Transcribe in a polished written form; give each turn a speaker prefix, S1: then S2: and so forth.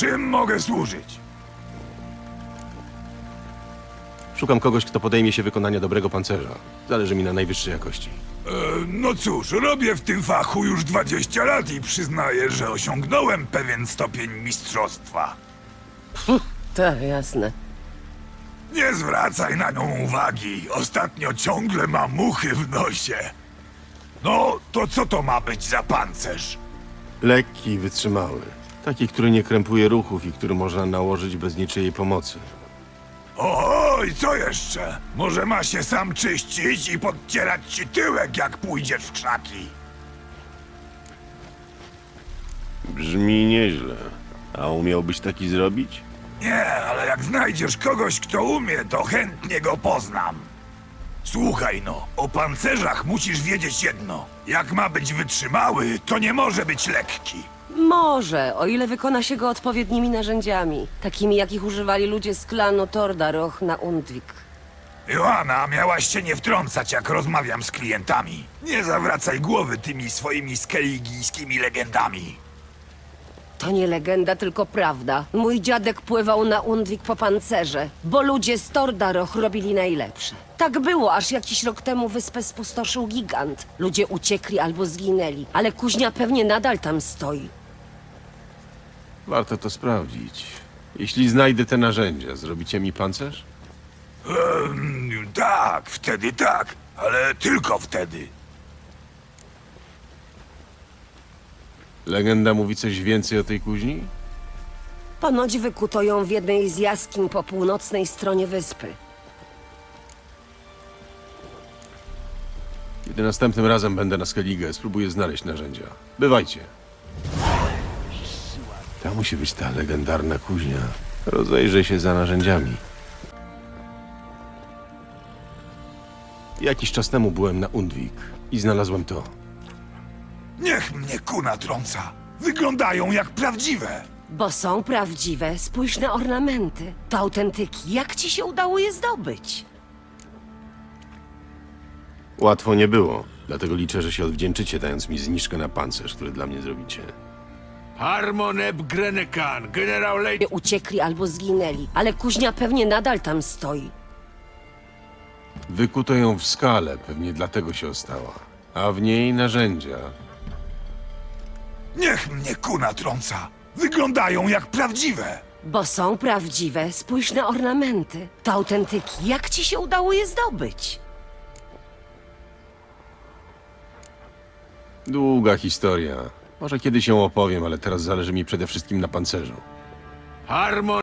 S1: Czym mogę służyć?
S2: Szukam kogoś, kto podejmie się wykonania dobrego pancerza. Zależy mi na najwyższej jakości.
S1: No cóż, robię w tym fachu już 20 lat i przyznaję, że osiągnąłem pewien stopień mistrzostwa.
S3: Tak, jasne.
S1: Nie zwracaj na nią uwagi. Ostatnio ciągle ma muchy w nosie. No, to co to ma być za pancerz?
S2: Lekki i wytrzymały. Taki, który nie krępuje ruchów i który można nałożyć bez niczyjej pomocy.
S1: Oj, co jeszcze? Może ma się sam czyścić i podcierać ci tyłek, jak pójdziesz w krzaki.
S2: Brzmi nieźle. A umiałbyś taki zrobić?
S1: Nie, ale jak znajdziesz kogoś, kto umie, to chętnie go poznam. Słuchaj no, o pancerzach musisz wiedzieć jedno. Jak ma być wytrzymały, to nie może być lekki.
S3: Może, o ile wykona się go odpowiednimi narzędziami. Takimi, jakich używali ludzie z klanu Tordaroch na Undvik.
S1: Joanna, miałaś się nie wtrącać, jak rozmawiam z klientami. Nie zawracaj głowy tymi swoimi skeligijskimi legendami.
S3: To nie legenda, tylko prawda. Mój dziadek pływał na Undvik po pancerze, bo ludzie z Tordaroch robili najlepsze. Tak było, aż jakiś rok temu wyspę spustoszył gigant. Ludzie uciekli albo zginęli, ale kuźnia pewnie nadal tam stoi.
S2: Warto to sprawdzić. Jeśli znajdę te narzędzia, zrobicie mi pancerz?
S1: Tak, wtedy tak, ale tylko wtedy.
S2: Legenda mówi coś więcej o tej kuźni?
S3: Ponoć wykuto ją w jednej z jaskiń po północnej stronie wyspy.
S2: Kiedy następnym razem będę na Skellige, spróbuję znaleźć narzędzia. Bywajcie. To musi być ta legendarna kuźnia. Rozejrzę się za narzędziami. Jakiś czas temu byłem na Undvik i znalazłem to.
S1: Niech mnie kuna trąca. Wyglądają jak prawdziwe.
S3: Bo są prawdziwe, spójrz na ornamenty. To autentyki. Jak ci się udało je zdobyć?
S2: Łatwo nie było, dlatego liczę, że się odwdzięczycie, dając mi zniżkę na pancerz, który dla mnie zrobicie.
S4: Harmoneb Grenekan, generał Lej...
S3: Uciekli albo zginęli, ale kuźnia pewnie nadal tam stoi.
S2: Wykuto ją w skale, pewnie dlatego się ostała. A w niej narzędzia.
S1: Niech mnie kuna trąca. Wyglądają jak prawdziwe.
S3: Bo są prawdziwe, spójrz na ornamenty. To autentyki. Jak ci się udało je zdobyć?
S2: Długa historia. Może kiedyś ją opowiem, ale teraz zależy mi przede wszystkim na pancerzu.
S4: Harmon...